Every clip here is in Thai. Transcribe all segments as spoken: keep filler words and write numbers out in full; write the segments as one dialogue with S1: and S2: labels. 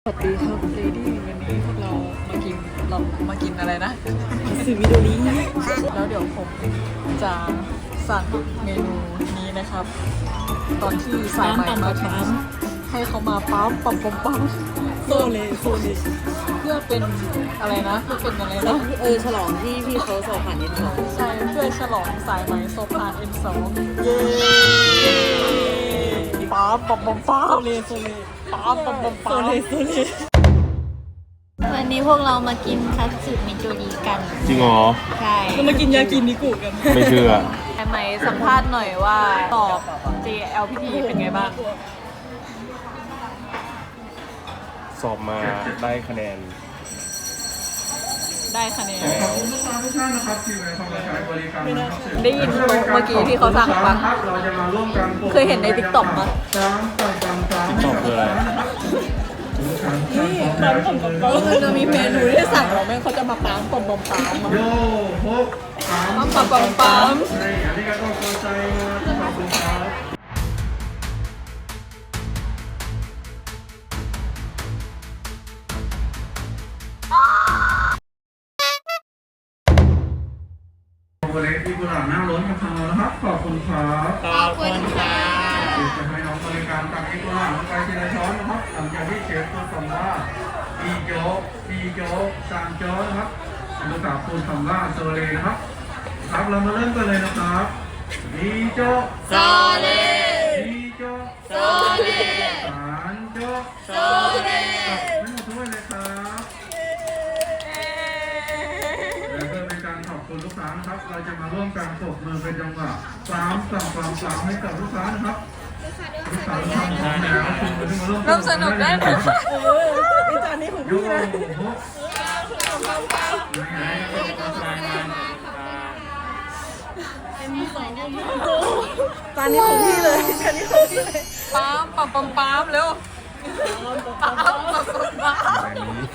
S1: สวัสดีครับเลดี้วันนี้พวกเรามากินเรามากินอะไรนะ
S2: สิมิโดริ
S1: แล้วเดี๋ยวผมจะสั่งเมนูนี้นะครับ ตอนที่สายใหม่มาถึงให้เขามาปั๊มปั๊มปั๊มปั๊ม
S2: โซเลโซเล
S1: เพื่อเป็นอะไรนะเพื่อเป็นอะไรนะ
S2: เออฉลองที่พี่เขาสอบผ่านเอ็นสอง
S1: ใช่เพื่อฉลองสายไหมโซพาน เอ็น สอง เย้ปั๊มปั๊มปั๊มปั๊
S2: โซ
S1: ม
S2: เลโซเล
S1: ปั๊มปั๊มปั๊ม
S2: โซ
S1: ปั๊ม
S2: เลโซเล
S3: วันนี้พวกเรามากินคัตสึมิโจริกัน
S4: จริงเหรอ
S3: ใช่
S2: เรามากินยากินิกุกัน
S4: ไม่เชื่อ
S1: ใช่ไหมสัมภาษณ์หน่อยว่าสอบ เจ แอล พี ที เป็นไงบ้าง
S4: สอบมาได้คะแนน
S1: ได้คะแนน
S5: ขอบคุณลูกค้าทุกท่านนะครับที่มาใช้บริการนะครับ
S1: ได้ยินเมื่อกี้ที่เขาสั่งปะ
S5: เราจะมาร่วมกัน
S1: เคยเห็นใน ติ๊กต็อก ปะ
S5: สามต่อสามสาม
S4: ติ๊กต็อกคืออะไร
S2: ปั๊มผมกับปั๊ม
S1: มันจะมีเมนูที่สั่งเราแม่งเขาจะมาปั๊มปั๊มปั๊มปั๊ม
S5: โยหกสาม
S1: ปั๊มปั๊มปั๊มปั๊ม
S5: ในอันนี้ก็ต้องเข้าใจมาขอบคุณครับบริษัทที่กุหลาบหน้าล้นกับทางเรานะครับขอบคุณครับ
S2: ขอบคุณค่ะ
S5: จะให้น้องบริการตักเอกกุหลาบลงไปทีละช้อนนะครับหลังจากที่เชฟพูดคำว่าอีโจ๊กอีโจ๊กซานโจ๊กนะครับลูกสาวพูดคำว่าโซเลนะครับครับเรามาเริ่มกันเลยนะครับอีโจ๊ก
S3: โซเล
S5: อีโจ๊ก
S3: โซเล
S5: ซานโจ๊ก
S3: โซเล
S5: ตักไม่หมดถ้วยเลยครับและเพื่อเป็นการขอบคุณลูกค้านะครับ เราจะมาร่วมกันปรบมือเป็นจังหวะสามสั่งความสามให้กับลูกค้านะครับลูกค้าทุกท่านพร้อมแล้วคุณมาร่วม
S1: เริ่มสนุกได้เลย
S2: เออไอจานนี้ของ
S5: โย
S2: พี่นะ
S5: โหไหนๆก็มาใส่มา
S2: จานนี้ของพี่เลยจานนี้ของพี่เลย
S1: ปั๊มปั๊มปั๊มปั๊มเร็วปั๊มปั๊มปั๊มปั๊ม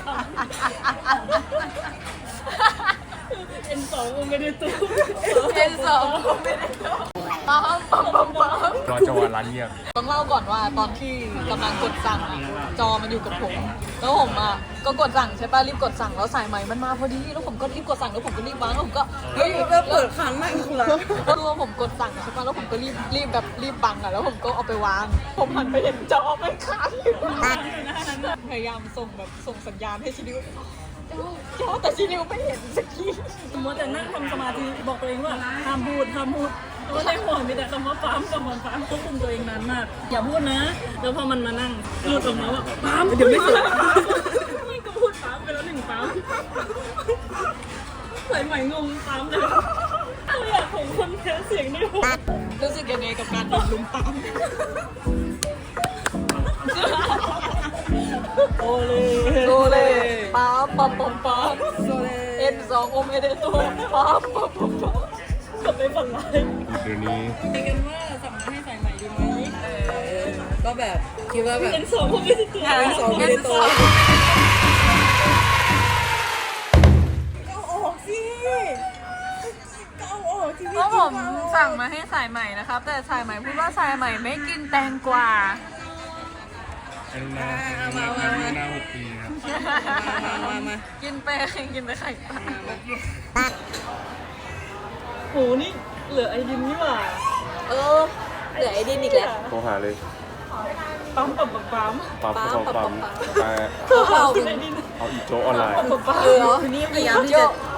S2: เอ็นสองไม่ได้ตู้
S1: เอ็นสองก็ไม่ได้ปั๊มปั๊มปั๊มปั๊ม
S4: รอจังหวะร้านเงียบ
S1: ต้องเล่าก่อนว่าตอนที่กำลังกดสั่งอะจอมันอยู่กับผม แล้วผมอ่ะก็กดสั่งใช่ป่ะรีบกดสั่งแล้วสายไหมมันมาพอดีแล้วผมก็รีบกดสั่งแล้วผมก็รีบวางแล้วผมก็เฮ้ย
S2: ก็เปิดค้างนั่งคุณละ
S1: ก็รู้ว่าผมกดสั่งใช่ป่ะแล้วผมก็รีบรีบแบบรีบบังอ่ะแล้วผมก็เอาไปวาง ผมหันไปเห็นจอมันค้างอยู่พยายามส่งแบบส่งสัญญาณให้ชินิวจอแต่ชินิวไม่เห็นสักที
S2: สมมติแต่นั่งทำสมาธิบอกตัวเองว่าห้ามพูดห้ามพูดเพราะว่าในหัวมีแต่คำว่าปั๊มกับมันปั๊มควบคุมตัวเองนานมากอย่าพูดนะแล้วพอมันมานั่งพูดออกมาว่าปั๊มเดี๋ยวไม่สุดไม่ก็พูดปั๊มไปแล้วหนึ่งปั๊มใส่ใหม่งงปั๊มเลยเราอยากของคนแพ้เสียงในหัว
S1: รู้สึกยังไงกับการโดนลุมปั๊ม
S2: โอเล
S1: โซเล่ปั๊มปั๊มปั๊มปั๊ม
S2: โซเล
S1: เอ็นสองโอเมเดโตปั๊มปั๊มปั๊มปั๊ม
S2: กดไปฝันร้าย
S4: เดี๋ยวนี้
S2: คุยกันว่าสั่งมาให้ใส่ใหม่ดีไหม
S1: ก็แบบคิดว่าแบบ
S2: เป็นสองคนไม่ได้ตัวเป็นสองไม่ได้ตัวก็ออกสิก็เอาออกสิ
S1: เพราะผมสั่งมาให้สายใหม่นะครับ แต่สายใหม่พูดว่าสายใหม่ไม่กินแตงกวา
S4: อายุนาอายุนาหกปีครับ
S2: มามา
S1: กินไปกินไปไข่ปลา
S2: โหนี่เหลือไอดินนี่หว่า
S1: เออเหลือไอ้ดินอีกแล้ว
S4: โทรหาเลย
S2: ปั๊มปั๊มปั๊มปั๊ม
S4: ปั๊ม
S1: ปั๊ม
S4: ปั๊มปั๊ม
S1: ปั๊ม
S4: ไป
S1: เพื่อเอา
S2: ไอดิน
S4: เอาอีโจออนไลน์
S2: ปั๊มปั๊ม
S1: เออนี่พยายามที่จะ